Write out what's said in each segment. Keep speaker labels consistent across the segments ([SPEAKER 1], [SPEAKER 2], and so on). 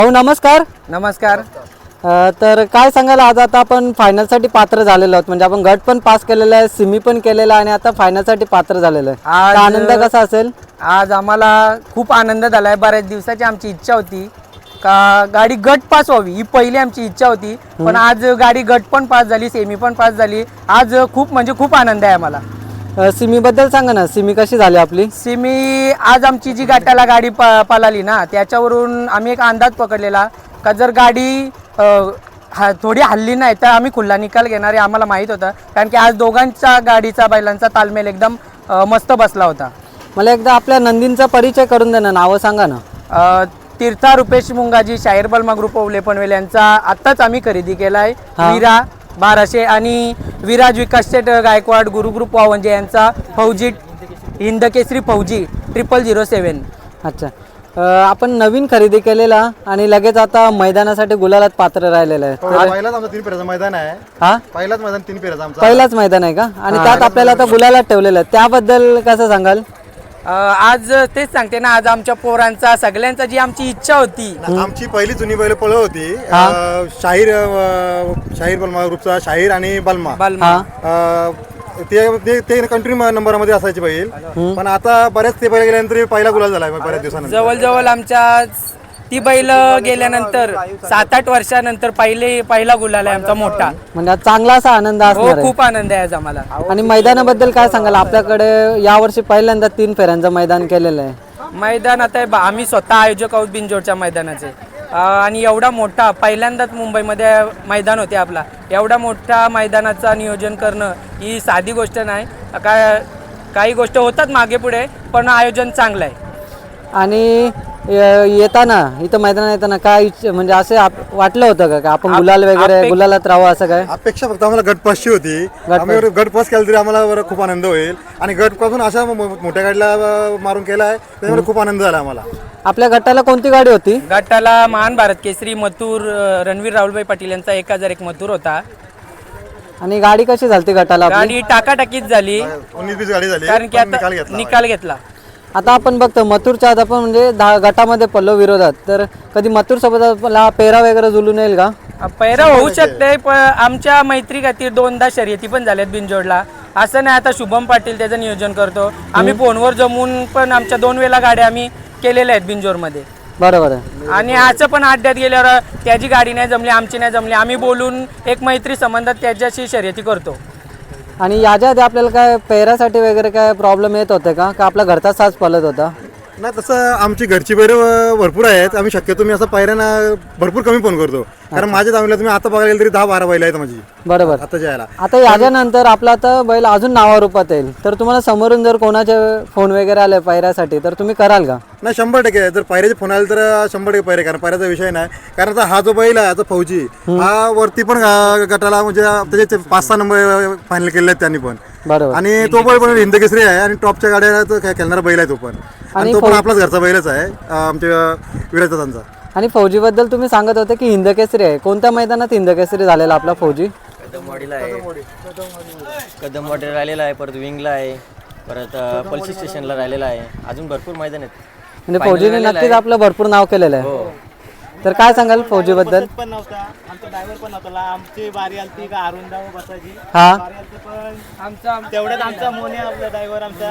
[SPEAKER 1] हो नमस्कार.
[SPEAKER 2] नमस्कार.
[SPEAKER 1] तर काय सांगाल, आज आता आपण फायनलसाठी पात्र झालेलो आहोत. म्हणजे आपण गट पण पास केलेला आहे, सिमी पण केलेला आहे आणि आता फायनलसाठी पात्र झालेलो आहे.
[SPEAKER 2] आज
[SPEAKER 1] आनंद कसा असेल?
[SPEAKER 2] आज आम्हाला खूप आनंद झाला आहे. बऱ्याच दिवसाची आमची इच्छा होती का गाडी गट पास व्हावी, ही पहिली आमची इच्छा होती. पण आज गाडी गट पण पास झाली, सेमी पण पास झाली. आज खूप म्हणजे खूप आनंद आहे आम्हाला.
[SPEAKER 1] सिमी बद्दल सांगा ना, सिमी कशी झाली आपली?
[SPEAKER 2] सेमी आज आमची जी गटाला गाडी पळाली ना, त्याच्यावरून आम्ही एक अंदाज पकडलेला का जर गाडी थोडी हल्ली नाही तर आम्ही खुल्ला निकाल घेणार आहे आम्हाला माहीत होतं. कारण की आज दोघांचा गाडीचा बैलांचा तालमेल एकदम मस्त बसला होता.
[SPEAKER 1] मला एकदा आपल्या नंदींचा परिचय करून द्या ना, नावं सांगा ना.
[SPEAKER 2] तीर्था रुपेश मुंगाजी, शाहीर बलमा ग्रुप ओवले पनवेल यांचा आत्ताच आम्ही खरेदी केला आहे. वीरा 1200 आणि विराज विकास शेट गायकवाड गुरुग्रुप वावंजे यांचा फौजी हिंदकेसरी फौजी 0007.
[SPEAKER 1] अच्छा. आपण नवीन खरेदी केलेला आणि लगेच आता मैदानासाठी गुलालात पात्र राहिलेलं आहे.
[SPEAKER 3] पहिलाच आमचा 3 फेऱ्याचं मैदान आहे.
[SPEAKER 1] हा,
[SPEAKER 3] पहिलाच मैदान 3 फेऱ्याचं आमचा.
[SPEAKER 1] पहिलाच मैदान आहे का? आणि त्यात आपल्याला आता गुलालात ठेवलेलं आहे, त्याबद्दल कसं सांगाल?
[SPEAKER 2] आज तेच सांगते ना, आज आमच्या पोरांचा सगळ्यांचा जी आमची इच्छा होती.
[SPEAKER 3] आमची पहिली जुनी बैल पळ होती. शाहीर बलमा ग्रुपचा शाहीर आणि बलमा. ते कंट्री नंबरमध्ये असायचे बैल. पण आता बऱ्याच ते बैल गेल्यानंतर पहिला गुलाल झाला बऱ्याच दिवसानंतर.
[SPEAKER 2] जवळजवळ आमच्या ती बैल गेल्यानंतर 7-8 वर्षानंतर पहिला गुलाल आहे आमचा मोठा. म्हणजे
[SPEAKER 1] चांगला असा आनंद असणार आहे.
[SPEAKER 2] खूप आनंद आहे आज आम्हाला.
[SPEAKER 1] आणि मैदानाबद्दल काय सांगाल? आपल्याकडे यावर्षी पहिल्यांदा 3 फेऱ्यांचं मैदान केलेलं आहे.
[SPEAKER 2] मैदान आता आम्ही स्वतः आयोजक आहोत बिनजोडच्या मैदानाचे. आणि एवढा मोठा पहिल्यांदाच मुंबईमध्ये मैदान होते आपला. एवढा मोठा मैदानाचं नियोजन करणं ही साधी गोष्ट नाही. काही गोष्ट होतात मागे पुढे, पण आयोजन चांगलं आहे.
[SPEAKER 1] आणि येताना इथं मैदानात येताना काय म्हणजे असे वाटलं होतं का आपण गुलाल वगैरे गुलालात राहावं, असं काय
[SPEAKER 3] अपेक्षा फक्त आम्हाला गट पासची होती. आम्ही गट पास केला तरी आम्हाला खूप आनंद होईल. आणि गट पासून अशा मोठ्या गाडीला मारून केला आहे, त्यामुळे खूप आनंद झाला आम्हाला.
[SPEAKER 1] आपल्या गटाला कोणती गाडी होती?
[SPEAKER 2] गटाला महान भारत केसरी मथुर रणवीर राहुलभाई पाटील यांचा 1001 मथुर होता.
[SPEAKER 1] आणि गाडी कशी झाली गटाला?
[SPEAKER 2] गाडी टाकाटाकीच झाली,
[SPEAKER 3] 19-20 गाडी झाली,
[SPEAKER 2] कारण की आता निकाल घेतला.
[SPEAKER 1] आता आपण बघतो मथुरच्या आत आपण म्हणजे गटामध्ये पल्लो विरोधात, तर कधी मथुर सोबत आपला पेरा वगैरे जुलून येईल का?
[SPEAKER 2] पैरा होऊ शकते, पण आमच्या मैत्री खातीर 2दा शर्यती पण झाल्यात बिनजोडला. असं नाही आता शुभम पाटील त्याचं नियोजन करतो. आम्ही फोनवर जमून पण आमच्या 2 वेळा गाड्या आम्ही केलेल्या आहेत बिनजोडमध्ये.
[SPEAKER 1] बरोबर आहे.
[SPEAKER 2] आणि असं पण अड्ड्यात गेल्यावर त्याची गाडी नाही जमली, आमची नाही जमली, आम्ही बोलून एक मैत्री संबंधात त्याच्याशी शर्यती करतो.
[SPEAKER 1] आणि याच्या आधी आपल्याला काय पेरासाठी वगैरे काय प्रॉब्लेम येत होते का आपला घरचा साज पळत होता?
[SPEAKER 3] नाही, तसं आमची घरची बैल भरपूर आहेत. आम्ही शक्यतो मी असं पायऱ्यांना भरपूर कमी फोन करतो, कारण माझ्या दावणीला तुम्ही आता बघायला गेलं तरी 10-12 बैल आहेत माझी.
[SPEAKER 1] बरोबर.
[SPEAKER 3] आता जायला
[SPEAKER 1] आता याच्यानंतर आपला आता बैल अजून नावारूपात येईल, तर तुम्हाला समोरून जर कोणाचे फोन वगैरे आले पायऱ्यासाठी तर तुम्ही कराल का?
[SPEAKER 3] नाही, 100% जर पायऱ्याचे फोन आले तर 100% पायरे, कारण पायऱ्याचा विषय नाही. कारण आता हा जो बैल आहे आता फौजी, हा वरती पण गटाला म्हणजे त्याचे 5-6 नंबर फायनल केले आहेत त्यांनी पण.
[SPEAKER 1] बरोबर.
[SPEAKER 3] आणि तो बैल पण हिंदकेसरी आहे आणि टॉपच्या गाड्या खेळणारा बैल आहे तो पण. आणि तो पण आपलाच घरचा बैलच आहे आमच्या विराजदादांचा.
[SPEAKER 1] आणि फौजीबद्दल तुम्ही सांगत होते की हिंदकेसरी आहे. कोणत्या मैदानात हिंदकेसरी झालेला आपला फौजी?
[SPEAKER 4] कदमवाडीला आहे. कदमवाडीला राहिलेला आहे, परत विंगला आहे, परत पल्सी स्टेशनला राहिलेला आहे. अजून भरपूर मैदान आहेत.
[SPEAKER 1] म्हणजे फौजीने नक्कीच आपलं भरपूर नाव केलेलं आहे. तर काय सांगाल फौजीबद्दल?
[SPEAKER 5] पण नव्हता आमचा ड्रायव्हर पण नव्हता. आमची बारी आलती का अरुण दाव बसायची.
[SPEAKER 1] हा,
[SPEAKER 5] बारी आलती पण आमचा तेवढ्यात आमचा मोने आपला ड्रायव्हर आमचा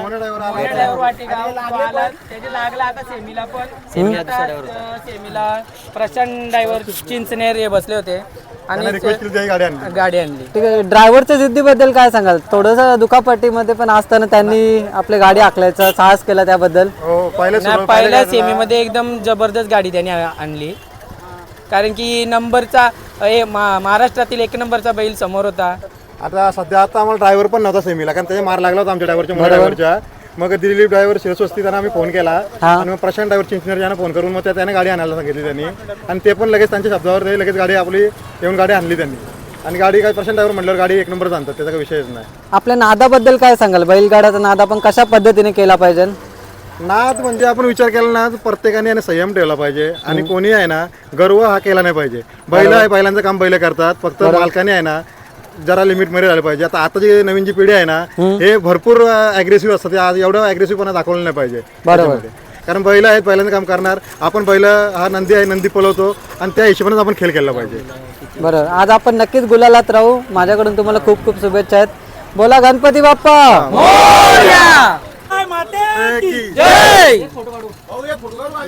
[SPEAKER 5] लागला. आता सेमीला पण सेमीला प्रशांत ड्रायव्हर चिंचनेर हे बसले होते आणि गाडी आणली.
[SPEAKER 1] ठीक आहे. ड्रायव्हरच्या जिद्दीबद्दल काय सांगाल? थोडंसं दुखापटीमध्ये पण असताना त्यांनी आपली गाडी आखल्याचा साहस केला, त्याबद्दल?
[SPEAKER 2] पहिल्या सेमीमध्ये एकदम जबरदस्त गाडी त्यांनी आणली, कारण की नंबरचा महाराष्ट्रातील 1 नंबरचा बैल समोर होता.
[SPEAKER 3] आता सध्या आम्हाला ड्रायव्हर पण नव्हता सेमीला, कारण त्याचा मार लागला होता आमच्या ड्रायव्हरच्या. मग दिलीप ड्रायव्हर शिरस्वस्ती त्यांना आम्ही फोन केला आणि मग प्रशांत ड्रायव्हर चिंचनेर यांना फोन करून मग त्याने गाडी आणायला सांगितली त्यांनी. आणि ते पण लगेच त्यांच्या शब्दावर लगेच गाडी आपली येऊन गाडी आणली त्यांनी. आणि गाडी काय प्रशांत ड्रायव्हर म्हटल्यावर गाडी 1 नंबर आणतात, त्याचा काही विषयच नाही.
[SPEAKER 1] आपल्या नादाबद्दल काय सांगाल? बैलगाड्याचा नाद आपण कशा पद्धतीने केला पाहिजे?
[SPEAKER 3] नाद म्हणजे आपण विचार केला ना, प्रत्येकाने संयम ठेवला पाहिजे. आणि कोणी आहे ना गर्व हा केला नाही पाहिजे. बैल आहे, बैलांचं काम बैल करतात, फक्त मालकाने आहे ना जरा लिमिट मध्ये राहिलं पाहिजे. आता जी नवीन जी पिढी आहे ना, हे भरपूर अग्रेसिव्ह असतात. एवढं अग्रेसिव्ह पण दाखवलं नाही पाहिजे. बरोबर. कारण बैल आहेत, पहिल्यांदा काम करणार आपण. बैल हा नंदी आहे, नंदी पळवतो आणि त्या हिशोबानेच आपण खेळ खेळला पाहिजे.
[SPEAKER 1] बरोबर, आज आपण नक्कीच गुलालात राहू. माझ्याकडून तुम्हाला खूप खूप शुभेच्छा आहेत. बोला गणपती बाप्पा.
[SPEAKER 2] जय